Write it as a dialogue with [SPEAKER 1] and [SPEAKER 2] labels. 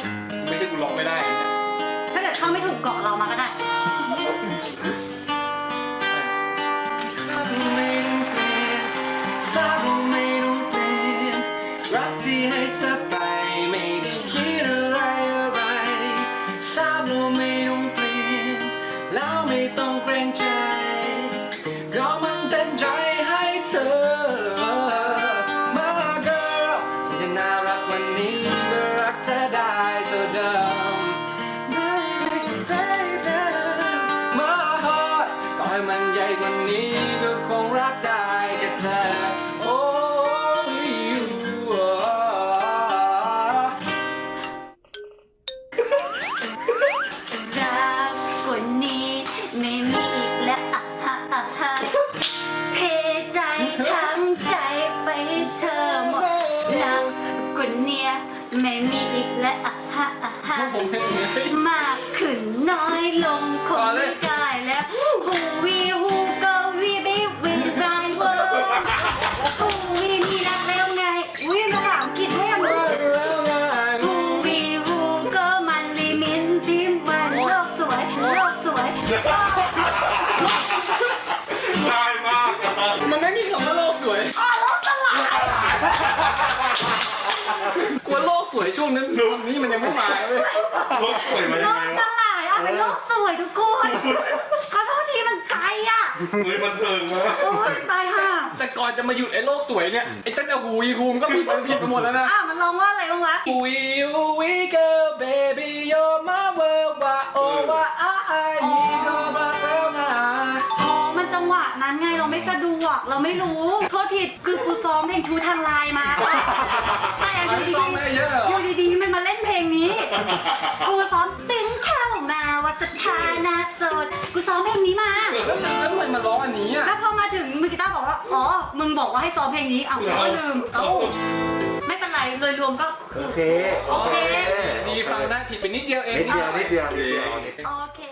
[SPEAKER 1] ไม่ใช่กูร้องไม่ได้นะ
[SPEAKER 2] ถ้าเกิดเข้าไม่ถูกเกาะเรามาก็ได้
[SPEAKER 1] รักที่ให้เธอไปไม่ได้คิดอะไรอะไรทราบเราไม่ต้องเปลี่ยนแล้วไม่ต้องเกรงใจก็มันเต็มใจให้เธอมา girl ที่จะน่ารักวันนี้ก็รักเธอได้เท่าเดิม baby baby my heart ต่อให้มันใหญ่กว่านี้ก็คงรักได้แค่เธอ only you
[SPEAKER 2] รักกว่านี้ไม่มีอีกแล้วอ่ะฮะอ่ะฮะเทใจทั้งใจไปให้เธอหมดรักกว่านี้ไม่มีอีกแล้วอ่ะฮะอ่ะฮะมากขึ้นน้อยลงคงไม่ได้แล้วฮูวีฮูก็วีบีวีไรเวอร์ฮูวีนี่รักแล้วไงอุ้ยภาษาอังกฤษให้ยังไงฮูวีฮูก็มันลิมิตที่มันโลกสวยโลกสวย
[SPEAKER 3] ง่ายมาก
[SPEAKER 1] มันไม่มีคำว่าโลกสวย
[SPEAKER 2] โลกตลาด
[SPEAKER 1] กลัวโลกสวยช่วงนั้นคำนี้มันยังไม่มาเลย
[SPEAKER 3] รถสวยมา
[SPEAKER 2] โล
[SPEAKER 3] ยัง
[SPEAKER 2] ก
[SPEAKER 3] ไง
[SPEAKER 2] ต
[SPEAKER 3] วะ
[SPEAKER 2] ลาดอะเป็นโลกสวยทุกคนขอโทษทีมันไกลอะ
[SPEAKER 3] เฮ้ยมันเทิงมาก
[SPEAKER 2] โอ้ยตายห่า
[SPEAKER 1] แต่ก่อนจะมาหยุดไอ้โลกสวยเนี่ยไอ้ตั้งแต่หูยีฮูมก็ผิดไปหมดแล้วนะ
[SPEAKER 2] มันร้องว่าอะไรบ้างวะ
[SPEAKER 1] We girl baby you're my world ว่าโอ้ว่าอ้ายยีก็รักแล้วนะ
[SPEAKER 2] อ๋อ มันจังหวะนั้นไงเราไม่กระดูกเราไม่รู้โทษทีคือกูซ้อมเพลงชูทางไลน์มาแต่อยู่ดี
[SPEAKER 1] ซ้อมไม่เยอะเหรอ
[SPEAKER 2] ๆอยู่ดีๆมันมาเล่นเพลงนี้กูซ้อมตึงเข้ามาว่าสถานะโสดกูซ้อมเพลงนี้มา
[SPEAKER 1] แล้วทำไมมาร้องอันนี้อ่ะ
[SPEAKER 2] แล้วพอมาถึงมือกีตาร์บอกว่า อ๋อ มึงบอกว่าให้ซ้อมเพลงนี้ เอาก็ลืม เอ้า ไม่เป็นไร โดยรวมก็
[SPEAKER 4] โอเค
[SPEAKER 2] โอเค
[SPEAKER 1] ดีฟังได้ผิดไปนิดเดียวเอง
[SPEAKER 4] นิดเดียว
[SPEAKER 2] โอเค